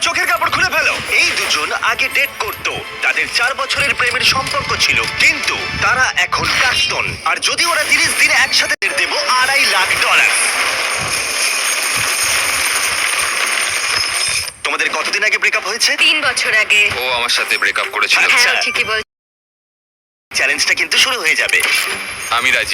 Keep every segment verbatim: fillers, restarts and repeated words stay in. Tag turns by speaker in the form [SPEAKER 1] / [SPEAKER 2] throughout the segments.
[SPEAKER 1] চোখের কাপড় খুলে ফেলো। এই দুজন আগে ডেট করত, তাদের চার বছরের প্রেমের সম্পর্ক ছিল, কিন্তু তারা এখন প্রাক্তন। আর যদি ওরা তিরিশ দিনে একসাথে দেবো আড়াই লাখ ডলার। তোমাদের কতদিন আগে ব্রেকআপ হয়েছে?
[SPEAKER 2] তিন বছর আগে।
[SPEAKER 3] ও আমার সাথে ব্রেকআপ করেছিল।
[SPEAKER 1] আচ্ছা।
[SPEAKER 2] হ্যাঁ, ঠিকই বল।
[SPEAKER 1] চ্যালেঞ্জটা কিন্তু শুরু হয়ে যাবে।
[SPEAKER 3] আমি রাজি।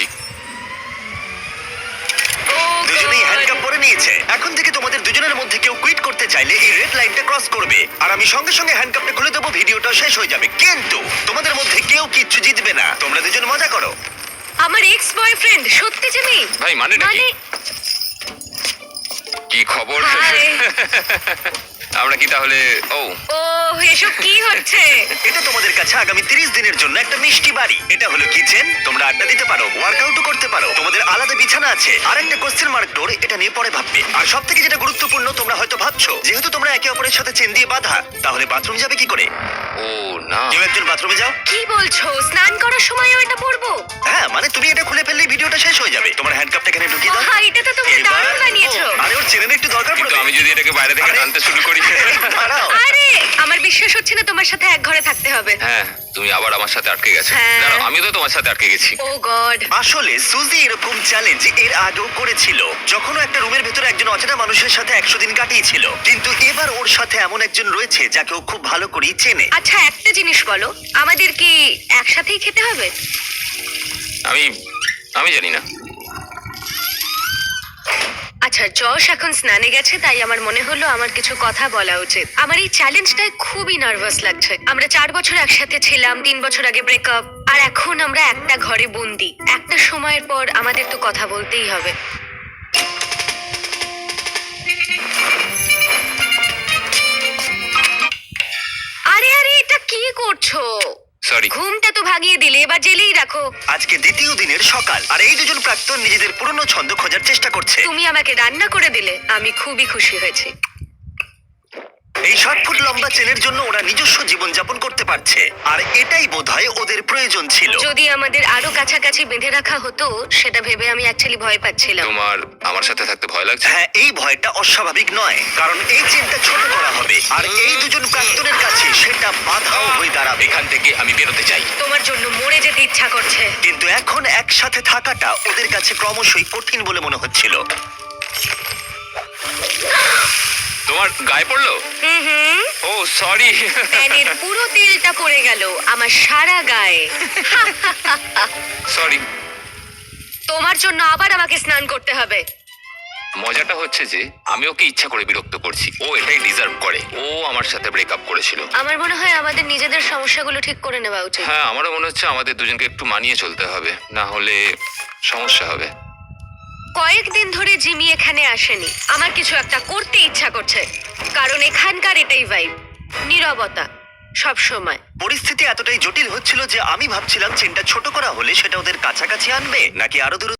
[SPEAKER 2] ও
[SPEAKER 1] দুজনেই
[SPEAKER 2] God!
[SPEAKER 1] হ্যান্ডকাপ পরে নিয়েছে। এখন থেকে তোমাদের দুজনের মধ্যে কেউ কুইট করতে চাইলে এই রেড লাইনটা ক্রস করবে, আর আমি সঙ্গে সঙ্গে হ্যান্ডকাপটা খুলে দেবো, ভিডিওটা শেষ হয়ে যাবে। কিন্তু তোমাদের মধ্যে কেউ কিচ্ছু জিতবে না, তোমরা দুজন মজা করো।
[SPEAKER 2] আমার এক্স বয়ফ্রেন্ড সত্যি জিমি।
[SPEAKER 3] ভাই, মানেটা কি?
[SPEAKER 2] মানে
[SPEAKER 3] কি খবর?
[SPEAKER 2] হাই।
[SPEAKER 3] আমরা কি তাহলে? ও
[SPEAKER 2] ও এসব কি হচ্ছে?
[SPEAKER 1] এটা তোমাদের কাছে আগামী তিরিশ দিনের জন্য একটা মিষ্টি বাড়ি। এটা হলো কিচেন, তোমরা আড্ডা দিতে পারো, ওয়ার্কআউটও করতে পারো, তোমাদের আলাদা বিছানা আছে, আর একটা কোশ্চেন মার্ক ডোর, এটা নিয়ে পরে ভাববে। আর সব থেকে যেটা গুরুত্বপূর্ণ, তোমরা হয়তো ভাবছো যেহেতু তোমরা একে অপরের সাথে চেন দিয়ে বাঁধা, তাহলে বাথরুম যাবে কি করে?
[SPEAKER 3] ও না,
[SPEAKER 1] কেউ একজন বাথরুমে যাও।
[SPEAKER 2] কি বলছো? স্নান করার সময়ও এটা পরবো?
[SPEAKER 1] হ্যাঁ, মানে তুমি এটা খুলে ফেললেই ভিডিওটা শেষ হয়ে যাবে। তোমার হ্যান্ডকাপটা এখানে ঢুকিয়ে দাও।
[SPEAKER 2] হ্যাঁ, এটা তো তুমি
[SPEAKER 1] এবার-
[SPEAKER 2] দারুণ বানিয়েছো।
[SPEAKER 1] ও, আরে ওর চেনের একটু দরকার
[SPEAKER 3] কিন্তু
[SPEAKER 1] পড়বে।
[SPEAKER 3] আমি যদি এটাকে বাইরে থেকে
[SPEAKER 1] আরে-
[SPEAKER 3] টানতে শুরু করি।
[SPEAKER 1] দাঁড়াও।
[SPEAKER 2] আরে আমার বিশ্বাস হচ্ছে না তোমার সাথে এক ঘরে থাকতে হবে।
[SPEAKER 3] হ্যাঁ, তুমি আবার আমার সাথে আটকে গেছো।
[SPEAKER 2] হ্যাঁ।
[SPEAKER 3] দাঁড়াও, আমিও তো তোমার সাথে আটকে গেছি।
[SPEAKER 2] Oh God.
[SPEAKER 1] আসলে সুজি এরকম চ্যালেঞ্জ এর আগেও করেছিল, যখন ও একটা রুমের ভেতরে একজন অচেনা মানুষের সাথে একশো দিন কাটিয়েছিল। কিন্তু এবার ওর সাথে এমন একজন রয়েছে যাকে ও খুব ভালো করেই চেনে।
[SPEAKER 2] আচ্ছা একটা জিনিস বলো, আমাদের কি একসাথেই খেতে হবে?
[SPEAKER 3] আমি আমি জানি না।
[SPEAKER 2] আচ্ছা, যশ এখন স্নানে গেছে, তাই আমার মনে হলো আমার কিছু কথা বলা উচিত। আমার এই চ্যালেঞ্জটায় খুবই নার্ভাস লাগছে। আমরা চার বছর একসাথে ছিলাম, তিন বছর আগে ব্রেকআপ, আর এখন আমরা একটা ঘরে বন্দি। একটা সময়ের পর আমাদের তো কথা বলতেই হবে। আরে আরে এটা কি করছো?
[SPEAKER 3] সরি।
[SPEAKER 2] ঘুমটা তো ভাগিয়ে দিলে, এবার জেলেই রাখো।
[SPEAKER 1] আজকে দ্বিতীয় দিনের সকাল, আর এই দুজন প্রাক্তন নিজেদের পুরনো ছন্দ খোঁজার চেষ্টা করছে।
[SPEAKER 2] তুমি আমাকে রান্না করে দিলে, আমি খুবই খুশি হয়েছি।
[SPEAKER 1] এই ষাট ফুট লম্বা চেনের জন্য ওরা নিজস্ব জীবন যাপন করতে পারছে, আর এটাই বোধহয় ওদের প্রয়োজন ছিল।
[SPEAKER 2] যদি আমাদের আরো কাছাকাছি বেঁধে রাখা হতো, সেটা ভেবে আমি অ্যাকচুয়ালি ভয় পাচ্ছিলাম।
[SPEAKER 3] তোমার আমার সাথে থাকতে ভয় লাগছে?
[SPEAKER 1] হ্যাঁ, এই ভয়টা অস্বাভাবিক নয়, কারণ এই চেনটা ছোট করা হবে, আর এই দুজন প্রাক্তনের কাছে সেটা বাধাও হয়ে দাঁড়াবে।
[SPEAKER 3] এখান থেকে আমি বেরোতে চাই।
[SPEAKER 2] তোমার জন্য মরে যেতে ইচ্ছা করছে।
[SPEAKER 1] কিন্তু এখন একসাথে থাকাটা ওদের কাছে ক্রমশই কঠিন বলে মনে হচ্ছিল।
[SPEAKER 3] তোমার গায়ে পড়লো?
[SPEAKER 2] হুম হুম।
[SPEAKER 3] Oh sorry.
[SPEAKER 2] প্যানের পুরো তেলটা পড়ে গেল আমার সারা গায়ে।
[SPEAKER 3] সরি।
[SPEAKER 2] তোমার জন্য আবার আমাকে স্নান করতে হবে।
[SPEAKER 3] মজাটা হচ্ছে যে আমি ওকে ইচ্ছা করে বিরক্ত করছি। ও এটাই ডিজার্ভ করে। ও আমার সাথে ব্রেকআপ করেছিল।
[SPEAKER 2] আমার মনে হয় আমাদের নিজেদের সমস্যাগুলো ঠিক করে নেওয়া উচিত।
[SPEAKER 3] হ্যাঁ, আমারও মনে হচ্ছে আমাদের দুজনকে একটু মানিয়ে চলতে হবে, না হলে সমস্যা হবে।
[SPEAKER 2] কয়েকদিন ধরে জিমি এখানে আসেনি। আমার কিছু একটা করতে ইচ্ছা করছে, কারণ এখানকার এটাই ভাইব, নীরবতা সব সময়।
[SPEAKER 1] পরিস্থিতি এতটাই জটিল হচ্ছিল যে আমি ভাবছিলাম চেনটা ছোট করা হলে সেটা ওদের কাছাকাছি আনবে, নাকি আরো দূর